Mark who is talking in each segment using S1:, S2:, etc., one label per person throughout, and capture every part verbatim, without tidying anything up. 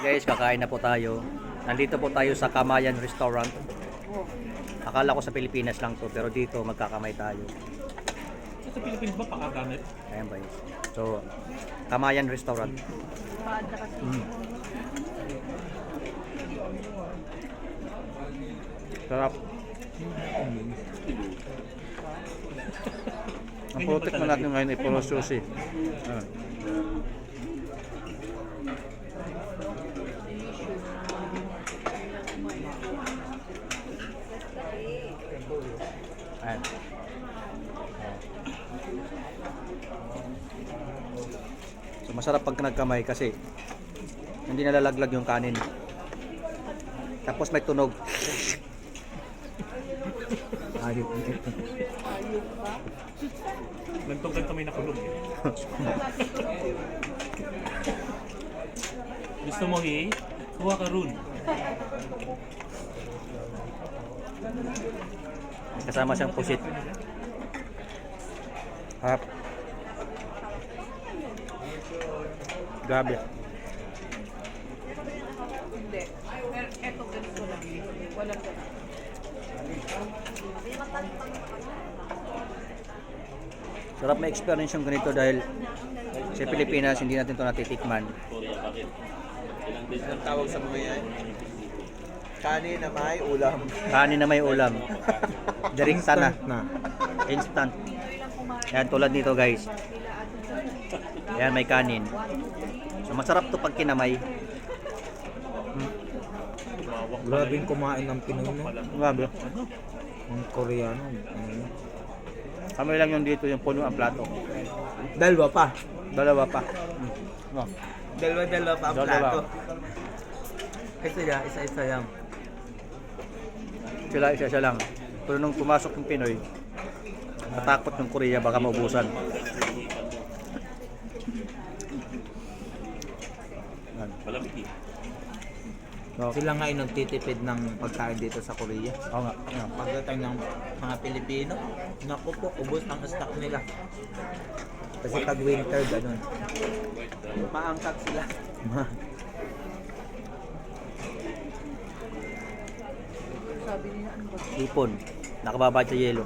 S1: Guys, kakain na po tayo. Nandito po tayo sa Kamayan Restaurant. Akala ko sa Pilipinas lang to, pero dito magkakamay tayo.
S2: Sa Pilipinas ba pakagamit?
S1: Ayan ba yun? So, Kamayan Restaurant. Mm. Sarap. Ang protect mo natin ngayon ay puro sushi. Ayan. Ayan. So masarap pag nagkamay kasi hindi nalalaglag yung kanin. Tapos may tunog. Ayop.
S2: Gantong-ganto may nakulog eh. Gusto mo eh? Kuha ka ron.
S1: Kasama siyang pusit. Harap. Grabe.
S3: Hindi. Eto ganito lang. Walang ganito.
S1: Sarap may experience yung ganito dahil sa Pilipinas hindi natin ito natitikman.
S4: Ang tawag sa mga yan? Kanin na may ulam.
S1: Kanin na may ulam. Direkta na. Instant. Yan tulad nito guys. Yan may kanin. So masarap to pag kinamay. Hmm.
S4: Grabing kumain ng Pinoy no?
S1: Grabe.
S4: Ang Koreano. Ano?
S1: Kami lang yung dito yung puno ang plato.
S4: Dalawa pa.
S1: Dalawa pa. Hmm. No.
S4: Dalawa-dalawa pa ang
S1: Dalawa.
S4: plato. Isa yan, isa-isa yan.
S1: Sila isa-isa lang. Pero nung pumasok yung Pinoy, natakot yung Korea baka maubusan. Yan.
S2: Malamig eh.
S1: So,
S4: Sila nga yung nagtitipid ng pagkain dito sa Korea.
S1: oo nga. Yan.
S4: Pagdating ng mga Pilipino, naku po, ubos ang stock nila. Kasi pag winter, ganun. Maangkat sila.
S3: Sabi niya, ano ba?
S1: Ipon. Nakababad sa yelo.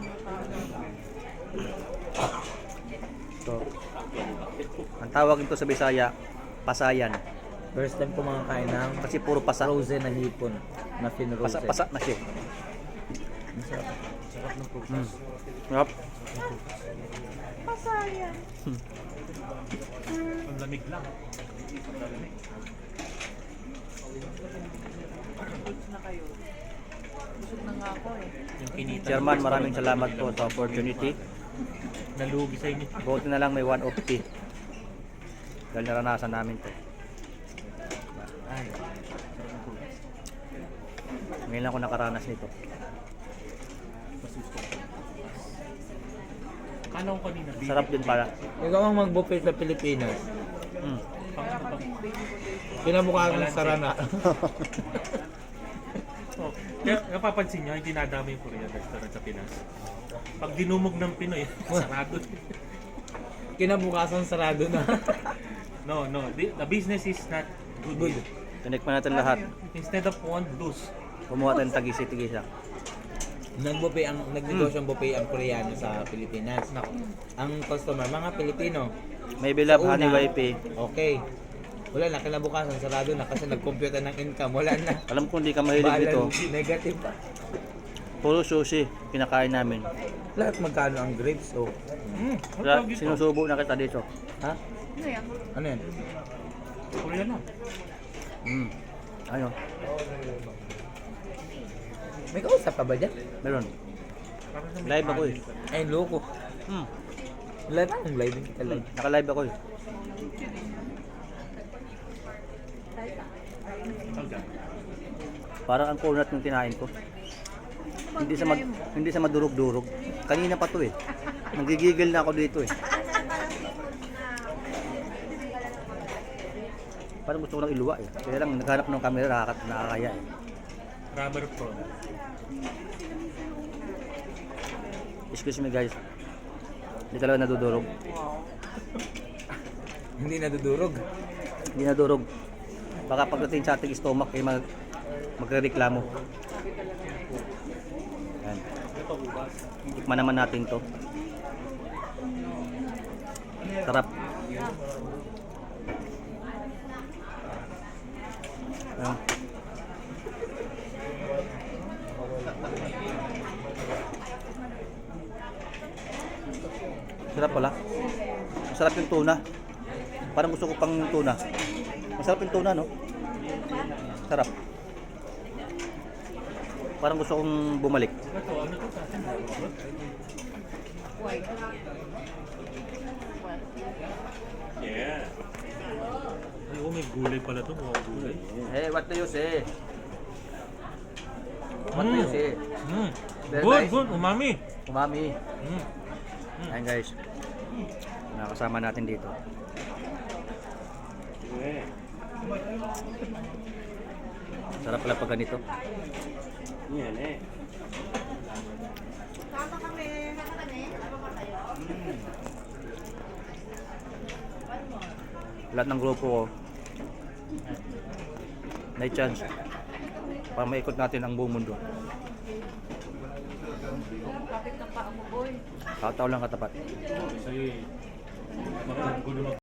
S1: So, ang tawag nito sa Bisaya, pasayan.
S4: First time ko makakain ng
S1: Kasi puro pasa.
S4: frozen na hipon na
S1: Pasa,
S4: finrozen.
S1: pasa na siya.
S4: Masarap. Sarap ng prutas.
S1: Mm. Sarap.
S3: Pasaya.
S2: Ang lamig lang.
S3: Goods na kayo. Busog na nga ako eh.
S2: Yung kinita.
S1: Chairman, maraming salamat po sa opportunity.
S2: Nalugi sa inyo.
S1: Buti na lang may one fifty. Dahil naranasan namin to.
S2: Ay.
S1: Ngayon lang ako nakaranas nito.
S2: Kala ko kanina.
S1: Sarap din pala.
S4: Ikaw ang mag-buffet sa Pilipinas.
S1: Mm.
S2: Pang ano pang...
S4: Kinabukasan ng sarana.
S2: Oh, kaya napapansin nyo, hindi nadami yung Korean restaurant sa Pinas. Pag dinumog ng Pinoy, sarado.
S4: Kinabukasan sarado na.
S2: No, no. The, the business is not good.
S4: Good.
S1: Tinikman natin lahat.
S2: Instead of one, lose.
S1: Kumuha tayo ng tagisi-tigisa.
S4: Nag-buffet ang nagnegosyo ang buffet ang Koreano sa Pilipinas.
S2: Naku.
S4: Ang customer, mga Pilipino.
S1: May bilab,
S4: Sa una,
S1: honey wifi.
S4: Okay. Wala na, kinabukasan sarado na kasi nag-compute na ng income. Wala na.
S1: Alam ko hindi ka mahilig dito.
S4: Balance, negative pa.
S1: Puro sushi, pinakain namin.
S4: Lahat magkano ang grapes? Oh.
S2: Mm,
S1: Kaya
S2: ano ito?
S1: sinusubo na kita dito.
S4: Ha?
S3: Ano yan?
S4: Ano yan?
S2: Korean na.
S1: Mm. Ano?
S4: May kausap pa ba dyan?
S1: Meron.
S2: Parang sa may
S1: Live ako eh.
S2: kanin.
S4: Ay, loko.
S1: Mm.
S4: Live ang live. Hindi ka
S1: Mm.
S4: live.
S1: Naka-live ako eh.
S2: Okay.
S1: Parang ang kunat ng tinain ko. Hindi sa mag, hindi sa madurog-durog. Kanina pa to eh. Nagigigil na ako dito eh. Parang gusto ko lang iluwa eh. Kaya lang naghanap ng camera nakakat nakakaya eh.
S2: Rubber prawn.
S1: Excuse me guys. Hindi talaga nadudurog.
S4: Hindi nadudurog.
S1: Hindi nadurog. Baka pagdating sa ating stomach ay mag magrereklamo. Yan. Tikman naman natin to. Sarap. Yan. Sarap pala. Masarap yung tuna. Parang gusto ko pang tuna. Masarap yung tuna, no? Sarap. Parang gusto kong bumalik.
S2: Ito, ano to sa atin?
S3: White.
S2: Yeah. Ay, oh, may gulay pala to. Mga gulay.
S4: Hey, what do you say? What do you say?
S2: Mm.
S4: Very
S2: Good,
S4: nice.
S2: good. Umami.
S4: Umami.
S2: Mm.
S1: Ayan guys. Nakasama natin dito. Sarap pala pag ganito.
S5: Yan eh.
S3: Sama kami.
S1: Lahat ng grupo ko may chance para maikot natin ang buong mundo.
S3: Kapit ng paa mo, boy.
S1: Kataw lang katapat.
S2: Sa'yo eh. Makakagod naman.